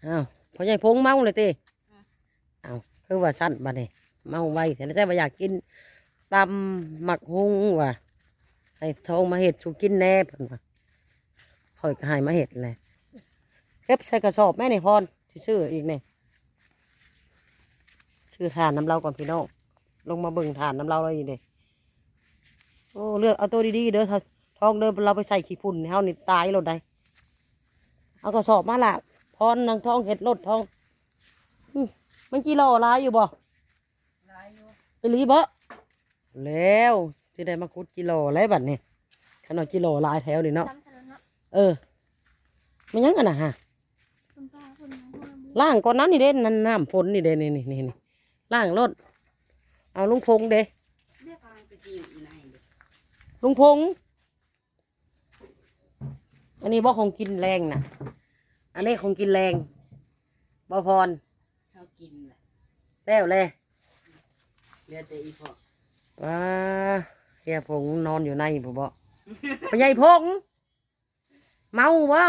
อ้าวพ่อใหญ่พงเมาเลยติอ้าวคือว่าสั้นบัดนี้เมาไวแต่ใจว่าอยากกินตำหมักฮุงว่ะให้ทองมาเห็ดชูกินแน่เพิ่นว่าพ่อยก็ให้มาเห็ดเลยเก็บใส่กระสอบแม่นี่พรที่ซื้ออีกนี่ซื้อถ่านน้ำเราก่อนพี่น้องลงมาเบิ่งถ่านน้ำเราเลยนี่เด้โอ้เลือกเอาตัวดีๆเด้อทองเดินเราไปใส่ขี้ฝุ่นเฮานี่ตายรถได้เอากระสอบมาละพรนางทองเห็ดรถทองมันกี่โลลายอยู่บ่ไปรีบ่แล้วจะได้มาคุดกิโลแล้วบัดนี้ขนาดกิโลลายแถวนี่เนาะไม่ยังกันนะฮะล่างก่อนนั้นนี่เด่นนั่นน้ำฝนนี่เด่นนี่ล่างรถเอาลุงพงเด้ลุงพงอันนี้บ่ของกินแรงนะอันนี้ของกินแรงบ่พรเขากินแล้วเลยเรือแต่อีพอว้าเฮียพงนอนอยู่ในบ่พ่อใหญ่พงเมาบ่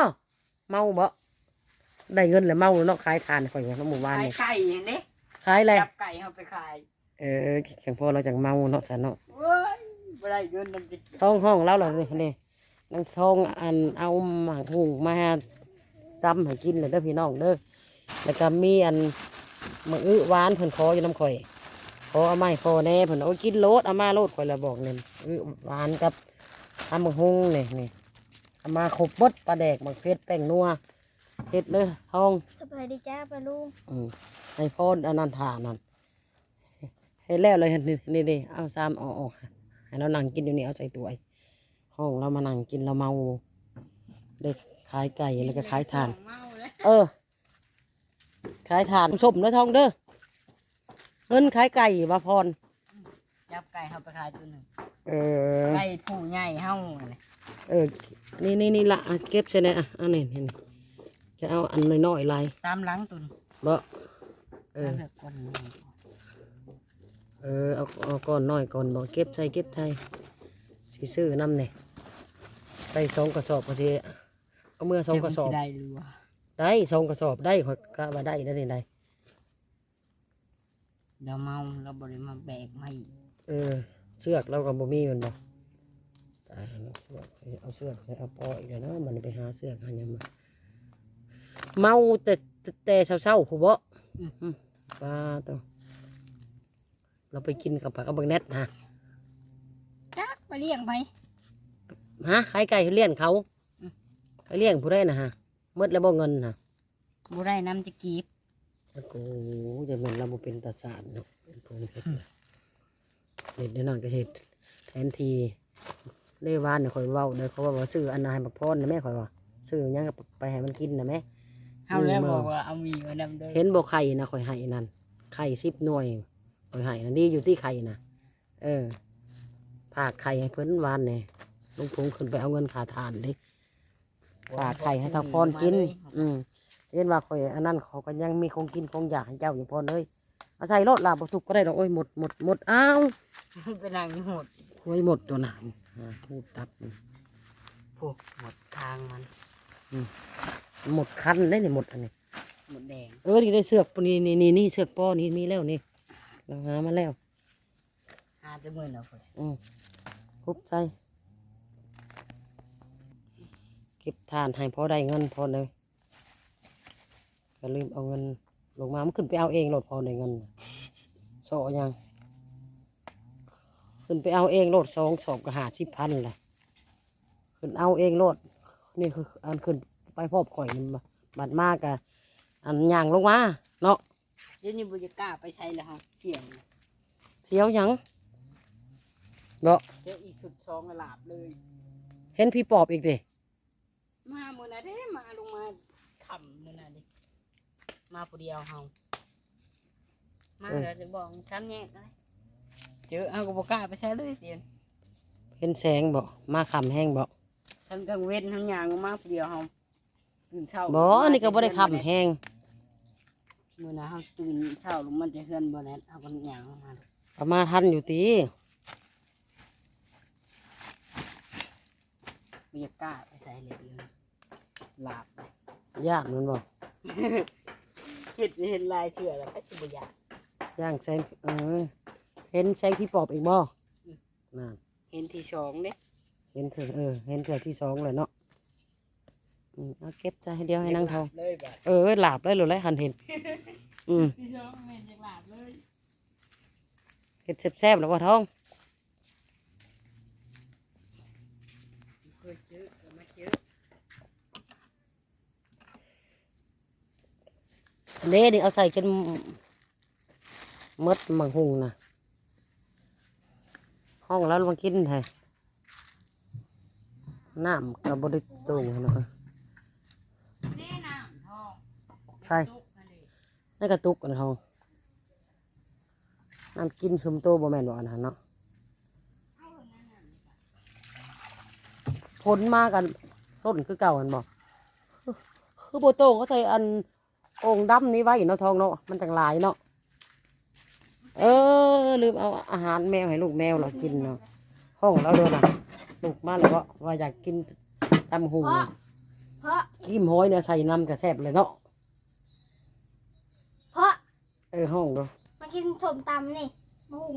ได้เงินแล้วเมาเนาะขายทานข่อยว่าหมู่บ้านนี่ขายไก่อย่างนี้ขายอะไรจับไก่เอาไปขายแข่งพ่อเราจากเมาเนาะฉันเนาะเว้ยบ่ได้เงินนำจะท้องห้องแล้วเหรอนี่นางทองอันเอาหมากหุงมาตำให้กินเลยเด้อพี่น้องเด้อแล้วก็มีอันมะอื้อหวานเพิ่นขออยู่น้ำข่อยขอเอาไม้ขอแน่เพิ่นเอากินโลดเอามาโลดข่อยละบอกเนี่ยหวานกับทำมะฮุงนี่เอามาขบบดปลาแดกมะเขือแป้งนัวเฮ็ดเลยทองสบายดีจ้าปลาลุงให้พ่ออันนั้นทานั่นเฮ็ดแล้วเลยนี่เอาซ้ำออกให้เรานั่งกินอยู่นี่เอาใส่ตัวห้องเรามานั่งกินเราเมาเด็กขายไก่แล้วก็ขายทานขายทานชมเด้อทองเด้อเงินขายไก่บาพรจับไก่เอาไปขายตัวหนึ่งไก่ผู้ใหญ่เฮานี่ละเก็บใช่ไหมอันนี้จะเอาอันน้อยๆลายตามหลังตุนบ่เอาก้อนน้อยก่อนบ่เก็บใส่สิซื้อน้ำเนี่ยใส่2 กระสอบก็สิเอาเมื่อ2 กระสอบได้2 กระสอบได้ข่อยกะว่าได้แล้วนี่ได้เราเมาเราบริมาแบกไม่เสือกเราก็บ่มีมันบ่ตายเอาเสือกเอาปออีกแล้วเนาะมันไปหาเสือกหายังมาเมาแต่เช้าๆผู้บ่ปลาตัวเราไปกินกับผักกับบังแนทฮะจักไปเลี้ยงไปขายไก่เลี้ยงเขาเลี้ยงผู้ได้นะฮะมืดแล้วบ่เงินฮะผู้ได้น้ำจะกีบโอ้โหจะเหมือนเราบ่เป็นตาสารเนาะเป็นพวกนี้เห็ดนั่นก็เห็ดแทนทีเล่ว่านเนี่ยคอยเว้าเลยเขาว่าซื้ออันนายบักพรนะแม่คอยว่าซื้อยังไปให้มันกินนะแม่เอาแล้วบอกว่าเอามีมานำด้วยเห็นบอกไข่นะคอยให้นั่นไข่10 หน่วยคอยให้นั่นดีอยู่ที่ไข่นะฝากไข่ให้เพิ่นวานเนี่ยลุงพงขึ้นไปเอาเงินขาทานดิฝากไข่ให้ทางพรกินเห็นว่าคอยอันนั้นเขาก็ยังมีคงกินคงอยากให้เจ้าอยู่พรเลยเอาใส่รถลาบทุกก็ได้ดอกโอ้ยหมดอ้าวเป็นนางหมดโอ้ยหมดตัวหนามพูดตับพวกหมดทางมันหมดคันได้เนี่ยหมดอันนี้หมดแดงนี่ได้เสือกนี่เสือกป้อนี่มีแล้วนี่เราหามาแล้วหาจะมือเราคนคุบใจเก็บทานให้พอได้เงินพอเลยก็ลืมเอาเงินลงมามันขึ้นไปเอาเองโหลดพอได้เงินโซ่ยังขึ้นไปเอาเองโหลด2 สอบก็50,000เลยขึ้นเอาเองโหลดนี่คืออันขึ้นไปพบข่อยบัดมากอะอันย่างลงมาเนาะเดี๋ยวนี้บุญกล้าไปใช้แล้วครับเสียวยังเนาะเจออีสุด2 หลาบเลยเห็นพี่ปอบอีกดิมาเมื่อไหร่เด้มาลงมาทำเมื่อไหร่ดิมาผู้เดียวเฮามาเดี๋ยวจะบอกช้ำแย่เลยเจอเอากบกล้าไปใช้เลยเตียนเห็นแสงบ่มาขำแห้งบ่ทั้งกลางเว้นทั้งยางมาผู้เดียวเฮาตื่นเช้าบ่นี่ก็บ่ได้ขำแห้งเมื่อนะเฮาตื่นเช้าลงมันจะเฮือนบ่แน่เฮาก็ยางมาประมาทันอยู่ตีบุญกล้าไปใช้เลยหลาบไปยากมันบ่เห็นลายเถื่อแล้วก็สิบ่อยากย่างแสงเห็นแสงที่ปอบอีกบ่นั่นเห็นที่สองเด้เห็นเถื่อเห็นเถื่อที่สองเลยเนาะเอาเก็บใจเดียวให้นางทองเลยบ่หลาบเลยหรือไรหันเห็นที่สองแม่นจังหลาบเลยเห็ดแซ่บๆแล้วว่าท้องเคยเจอก็มาเจออันนี้นี่เอาใส่กันมดมังหุงนะห้องแล้วมากินไทยน้ำกับบริตูงนะแม่น้ำทองใช่นี่กระตุกกันทองน้ำกินชุมโตบ่แม่นบ่อันนั้นเนาะผลมากันต้นคือเก่ากันบ่คือโบโตงเขาใส่อันโอ่งดำนี้ไว้เนาะทองเนาะมันจังหลายเนาะลืมเอาอาหารแมวให้ลูกแมวเรากินเนาะห้องเราด้วยนะลูกมาแล้วว่าอยากกินตำหุงเพราะกิมห้อยเนี่ยใส่น้ำกระแซบเลยเนาะเพราะห้องดูมากินสมตำนี่มะฮุง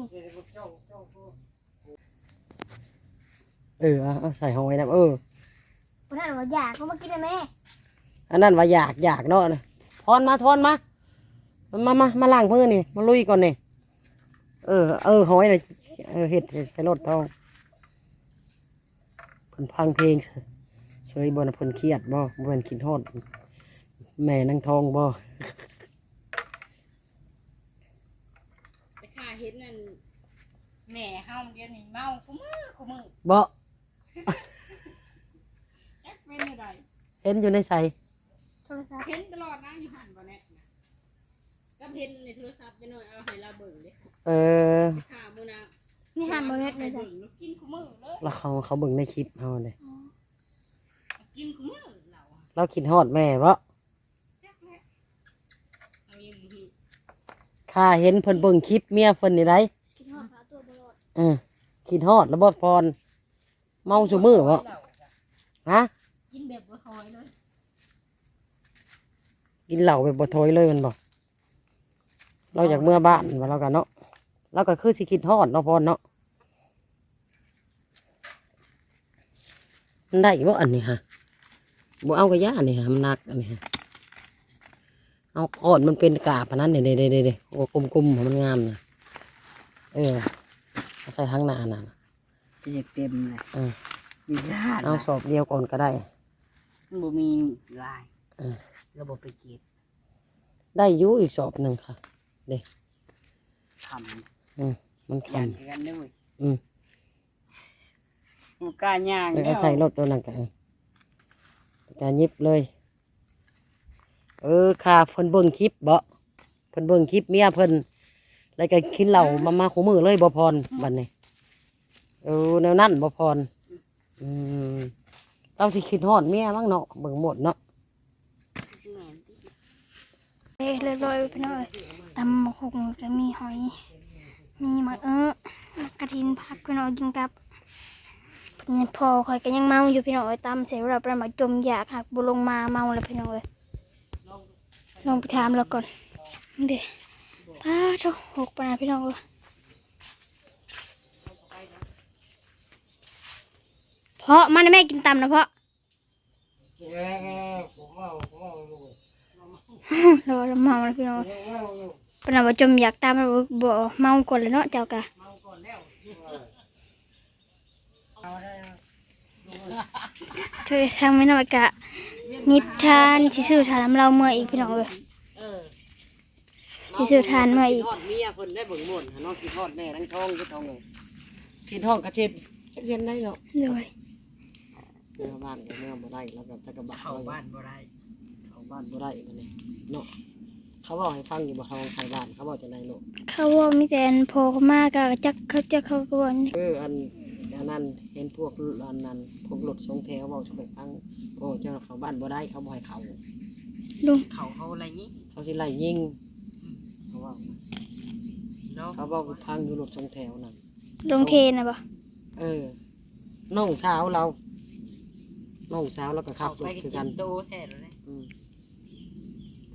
เอาใส่ห้อยนะคนนั้นว่าอยากก็มากินได้ไหมอันนั้นว่าอยากเนาะทอนมามาล้างมือนี่มาลุยก่อนนี่ห้อยเลยเห็ดใส่รถทองเพิ่นพังเพลงเฉยบ่นะเพิ่นเครียดบ่เพิ่นคิดฮอดแม่นางทองบ่ไปข้าเห็นนั่นแม่เฮาเดี๋ยวนี้เมาคุมือบ่จักเป็นอะไรเห็นอยู่ในใส่โทรศัพท์เห็นตลอดนะอยู่หันบ่แน่นะก็เห็นในโทรศัพท์ไปหน่อยเอาให้เราเบิ่งเด้ ไปข้ามื้อนะนี่หันมาเฮ็ดเลยจ้ะบิ่งแล้วกินคุมือเลยแล้วเขาเบิ่งในคลิปเฮาเลยกินคุมือเราอะเราคิดฮอดแม่บ่จักแหละเอาอย่างนี้ข้าเห็นเพิ่นเบิ่งคลิปเมียเพิ่นนี่ได้กินหอดปลาตัวบลอดคิดฮอดแล้วบ่พรเมาซุมื้อบ่ฮะกินแบบบ่คอยเลยกินเหล้าแบบบ่ถอยเลยมันบ่เราอยากเมื่อบ้านว่าเรากันเนาะเราก็คือสิคิดฮอดเนาะพรเนาะมันได้บ่อันนี้ฮะบ่เอากระยาอันนี้ฮะมันหนักอันนี้ฮะเอาอ่อนมันเป็นกาบอันนั้นเด้โอ้กลมๆมันงามนะเอาใส่ทั้งหน้าน่ะจะอยากเต็มเลยเออมีญาติเอาสอบเดียวก่อนก็ได้มันบ่มีลายเออระบบไปเก็บได้อยู่อีกสอบหนึ่งค่ะทมันำคย่างกันด้วยอืมกูกล้าย่างำแล้วก็ใส่รถตัวนั้นกันการยิบเลย ค่ะเพิ่นเบิ่งคลิปบ่เพิ่นเบิ่งคลิปเมียเพิ่นแล้วก็กินเหล้ามาขู่มือเลยบ่พรบัดนี้แนวนั้นบ่พรเราสิคิดฮอดเมียมั้งเนาะเบิ่งหมดเนาะเรียบร้อยไปหน่อยตำมะฮุงจะมีหอย มีมะมะกระทินผักพี่น้อยกินกับพอคอยก็ยังเมาอยู่พี่น้อยตำเสร็จแล้วประมาจมอยากหักบุลงมาเมาแล้วพี่น้อยลองไปถามเราก่อนเดี๋ยวป้าเจ้าหกปนาพี่น้องเลยเพราะมันแม่กินตำนะเพราะ เราเมาแล้วพี่น้องปนว่าจมอยากตามเราบ่เมาก่อนเลยเนาะเจ้ากะเธอทำไม่น้อยกะนิบทานสิซื้อทานน้ำเราเมื่ออีกพี่น้องเลยสิซื้อทานเมื่ออีกคิดฮอดเมียเพิ่นได้เบิ่งหมดเนาะคิดฮอดแม่ทั้งท้องคิดท้องเลยคิดฮอดกระเจ็ดเจ็ดได้เนาะเลยเมื่อบ้านก็เมื่อบ่ได้แล้วก็ตะกะบะเข้าบ้านบ่ได้เข้าบ้านบ่ได้บัดนี้เนาะเขาบอกให้ฟังอยู่บ่ทองไทยบ้านเขาบอกจะไหนลูกเขาว่ามีแต่อันโผล่เข้ามากะจักเขาก็ว่าอันนั้นเห็นพวกอันนั้นพวกรถสองแถวบอกจะไปฟังโอ้เจ้าเขาบ้านบ่ได้เขาบ่ให้เขาลุงเขาอะไรนี้เขาสิไล่ยิงเขาว่าเนาะเขาบอกพังอยู่รถสองแถวนั่นลงเทนะบ่น้องสาวเราน้องสาวแล้วก็ขัเขาบรไปถกิคือน กันโตแท้เลยอืม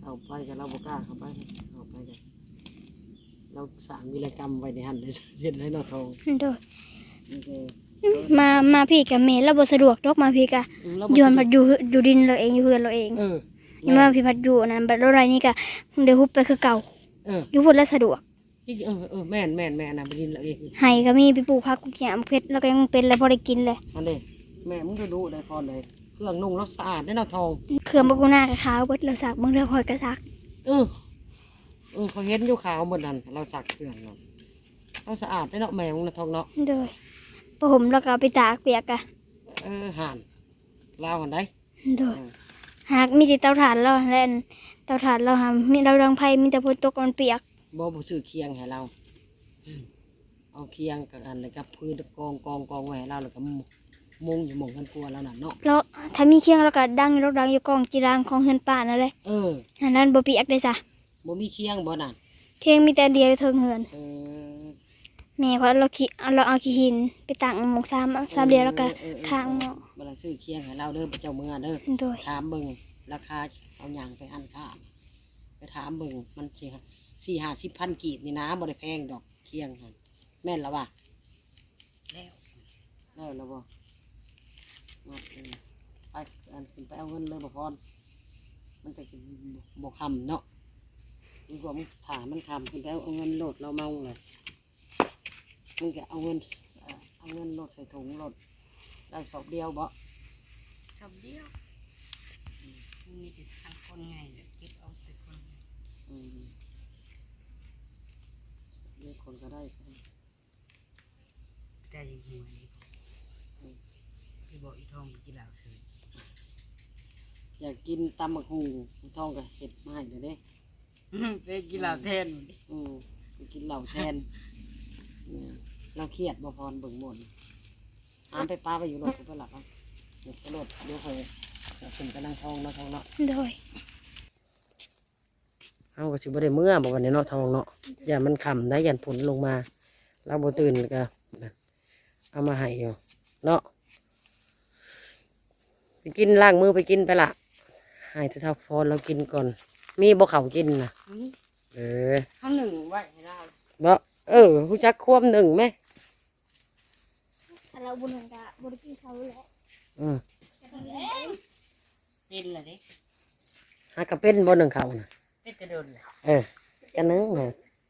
เข้าไปกันเราบ่กล้าเข้าไปเข้าไปกันเราสร้างวีรกรรมไว้ในหันเลยเช่นไรเนาะทองโดยโอเคมาพี่กับแม่เราบ่สะดวกดอกมาพี่กะย้อนมาอยู่ดินเราเองอยู่เฮือนเราเอง นี่มาพี่พัดอยู่นั่นบัดรถไรนี่กะเดี๋ยวฮุบไปคือเก่าอยู่พุ่นแล้วสะดวกแม่นนะไปดินเราเองไห้ก็มีไปปลูกผักปลูกหญ้าเพชรแล้วก็ยังเป็นแล้วพอได้กินเลยมันเด้แม่มึงจะดูได้พอเลยเครื่องนุ่งแล้วสะอาดได้เนาะทองเครื่องบักกูน่ากับขาวเบิดเราสักเบิ่งเด้อพอยก็สักเขาเห็นอยู่ขาวหมดนั่นเราสักเครื่องเนาะเราสะอาดได้เนาะแม่มึงนะทองเนาะโดยพอผมแล้วก็เอาไปตากเปียกกะห่านลาวหันได้โดยหากมีแต่เตาถ่านเราและอันเตาถ่านเราหามีเราดังไผ่มีแต่ฝนตกมันเปียกบ่ซื้อเคียงให้เราเอาเคียงกับอันเลยกับพื้นกองไว้ให้เราแล้วก็มุงอยู่หม่องกันกลัวแล้วน่ะเนาะแล้วถ้ามีเคียงเราก็ดังอยู่ดังอยู่กองจีรางของเฮือนป่านั่นแหละอันนั้นบ่เปียกได้จ้ะบ่มีเคียงบ่น่ะเคียงมีแต่เดียวเทิงเฮือนเออแม่เขาเราเอาขี้หินไปตั้งหมกสามเดียวแล้วก็ข้างหม้อเวลาซื้อเคียงให้เราเด้อพระเจ้าเมืองเด้อโดยถามเบิ่งราคาเอาอย่างไปอันค่าไปถามเบิ่งมัน40-50,000กีบนี่นะบ่ได้แพงดอกเคียงหั่นแม่นแล้วว่ะ แล้วบ่มาไปอันขึ้นไปเอาเงินเลยบ่พรมันจะกินบ่คำเนาะดีกว่ามึงถามมันคำขึ้นไปเอาเงินโหลดเราเมาเลยมึงจะเอาเงินโหลดใส่ถุงโหลดได้สอบเดียวบ่ชอบเดียวมีแต่ทางคนไงเดี๋ยวเก็บเอาแต่คนไงเดี๋ยวคนก็ได้แต่ยังหัวนี่พี่บอกอีทองไปกินเหล้าเถอะอยากกินตำบักหุ่งทองก็เห็ดมาให้เดี๋ยวนี้ไปกินเหล้าแทนไปกินเหล้าแทนเนี่ยเราเครียดบ่พรเบิ่งหมดไปป้าไปอยู่รถกูไปหลับอ่ะไปรถเดี๋ยวคอยขึ้นกำลังทองเนาะทองเนาะโดยเอาก็สิบ่ได้เมื่อบอกวันนี้เนาะทองเนาะอย่ามันค่ำได้ยันผลลงมาเราบ่ตื่นก็เอามาให้อยู่เนาะไปกินล้างมือไปกินไปละให้เท่าพรเรากินก่อน มีบ่เขากินนะเออข้าวหนึ่งไว้ให้เราบ่ผู้จักควบหนึ่งไหมถ้าเราบุญกะบุญกินเขาแหละเป็นเลยดิหากระเป็นบ่หนึ่งเขานะเป็นกระโดดเลยกันนึงนะ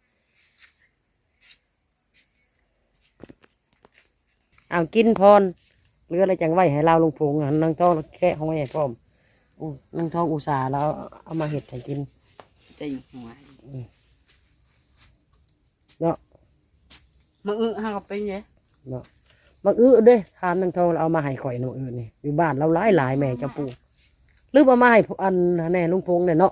เอากินพรเรืออะไรจังไว้ให้เราลงพุงอ่ะนางทองแค่ห้องไว้ให้พร้อมนางทองอุตส่าห์แล้วเอามาเห็ดให้กินจะอยู่หัวเนาะมาห้างก็เป็นไงเนาะมักเด้ทานนางทองเราเอามาให้ข่อยน้ำนี่อยู่บ้านเราหลายแม่จะปลูกหรือเอามาให้อันแน่ลุงพงเนี่ยเนาะ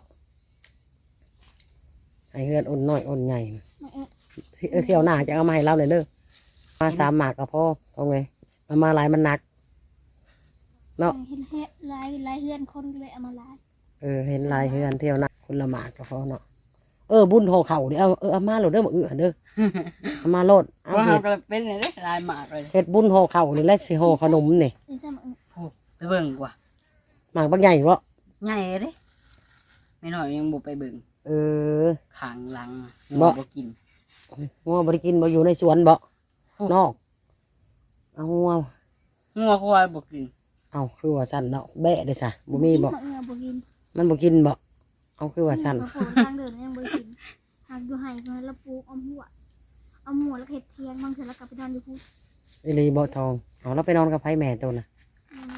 ให้เฮือนอ่อนน้อยอ่อนใหญ่เที่ยวหน้าจะเอามาให้เราเลยเด้อมา3 หมากก็พอเอาไงเอามาหลายมันหนักเนาะเห็นลายเฮือนคนเลยเอามาลายเห็นลายเฮือนเที่ยวหน้าคนละหมากก็พอเนาะบุญห่อเข่าเดี๋ยวเอามาโหลดเด้อมาเด้อเอามาโหลดเอาว่าเห็เขาดก็เป็นเลยดิลายหมากเลยเห็ดบุญห่อเข่านี่แหละสิห่อขนมนี่นี่ซ้ำไปเบิ่งกว่าหมากบางใหญ่บ่ใหญ่เลยไม่น้อยยังบุไปเบิ่งเออขางหลังบ่บ่กินงัวบริกินบ่อยู่ในสวนบ่นอกเอางัวงัวควายบ่กินเอาคือว่าสั่นเนาะแบะเด้อซะบ่มีบ่เงาบ่กินมันบ่กินบ่เอาคือว่าสั่นทางเดินยังบ่กินหากอยู่ไห้เพิ่นละปลูกเอาหัวแล้วเฮ็ดเทียงบางเทื่อแล้วก็ไปนอนอยู่พุ่นอีหลีบ่ทองเอาแล้วไปนอนกับไผแม่ตัวน่ะนะ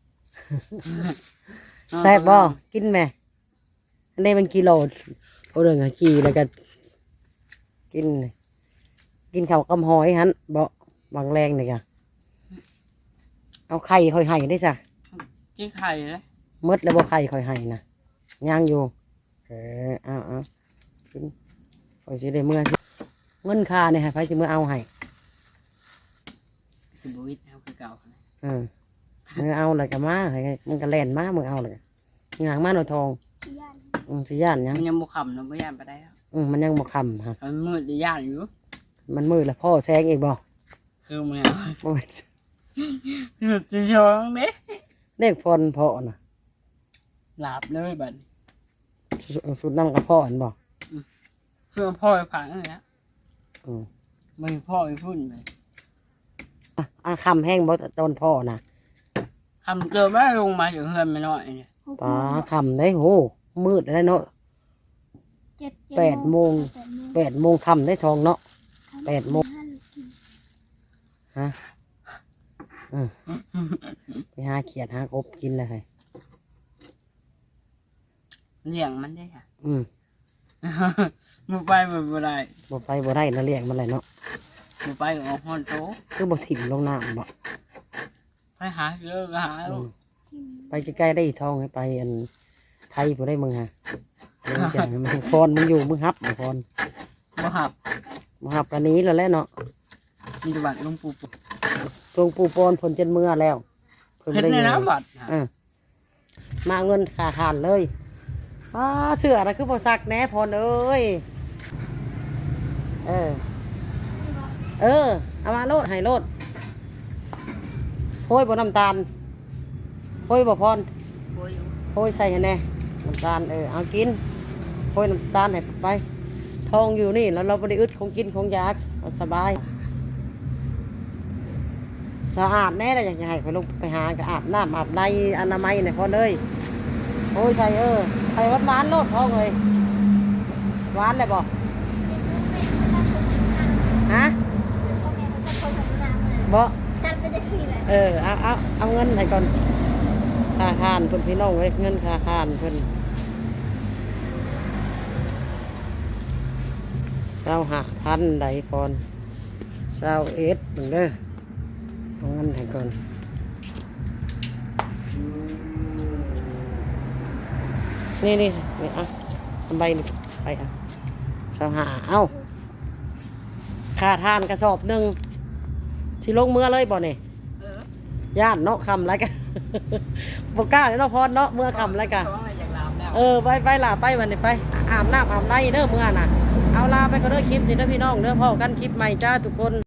แซ่บบ่กินแม่อันนี้มันกิโลเอาเรื่องอะกี่แล้วก็กินข้าวกับหอยหั่นบ่บางแรงนี่ก็เอาไข่ค่อยให้ได้ซะกินไข่เลยหมดแล้วบ่ไข่ค่อยให้นะย่างอยู่เอากินค่อยสิได้เมื่อสิเงินค่าเนี่ยให้ไผสิเมื่อเอาให้สิบวิตเอาคือเก่ามือเอาเลยก็มาให้มันก็แล่นมามือเอาเลยงางมาหน่อยทองสิย่านสิย่านหยังมันยังบ่ขำเนาะบ่ย่านไปได้แล้วมันยังบ่คำฮะมันมืดจะย่านอยู่มันมืดแล้วพ่อแซงอีกบ่คือมันโอ้ยสุดจะชองเด้เลขพรพ่อน่ะหลับเลยบัดสุดน้ำกับพ่อเห็นบ่เพื่อพ่อไปผังเลยนะอืมมันพ่อไปพุ่นเลยคำแห้งบ่ตอนพ่อนะทำเจอแม่ลงมาอยู่เฮือนไม่น้อยเนี่ยป้าคำได้โหมืดได้เนาะ 8 โมง 8 โมงคำได้ทองเนาะ 8 โมง ฮะไปหาเขียดหากบกินเลยเลี้ยงมันได้ค่ะ มือไปบ่ได้บ่ไปบ่ได้นะเลี้ยงมันเลยเนาะมือไปก็ออกฮอนโตคือบ่ถิ่มลงน้ำบ่ไปหาเยอะก็หาลูกไปใกล้ๆได้อีกทองให้ไปอันไทยบ่ได้มึงฮะเดี๋ยวอย่างมึงพรมึงอยู่มึงฮับพรบ่หับมึงฮับกันนี้แล้วแหละเนาะมีแต่บัตรหลุงปู่ตรงปูปอนผลจนเมื่อแล้วเพิ่นเห็นได้ในเงินน้ำบัตรมาเงินขาทานเลยเสื้ออะไรคือบ่ซักแหน่พรเอ้ยเอามาโลดให้โลดโห้ยบ่น้ำตาลโห้ยบ่พรโอ้ยโห้ยใส่ให้แน่น้ำตาลเอากินโห้ยน้ำตาลให้ไปทองอยู่นี่แล้วเราบ่ได้อึดของกินของอยากเอาสบายสะอาดแน่เลยอยากจะให้ไปลงไปหาก็อาบน้ำอาบในอนามัยเนี่ยพอเลยโอ้ยใส่ใส่หวานๆโลดทองเลยหวานเลยบ่ฮะบ่จัดไปจะสี่แหละเอาเงินให้ก่อนค่าทานเพิ่นพี่น้องเว้ยเงินค่าทานเพิ่น25,000ใดก่อน21เบิ่งเด้อเอาเงินให้ก่อนนี่ทำใบนี่ไป25เอาค่าทานกระสอบหนึ่งสิลงเมื่อเลยบ่เนี่ยย่านเนาะคำไรกัน บ่กล้าเลยเนาะพรเนาะเมื่อคำไรกันช่วงอะไรจากลาวแล้วไปลาไปวันนี้ไปอาบน้ำอาบในเด้อเมื่อน่ะเอาลาไปก็เด้อคลิปนี่เด้อพี่น้องเด้อพ่อกันคลิปใหม่จ้าทุกคน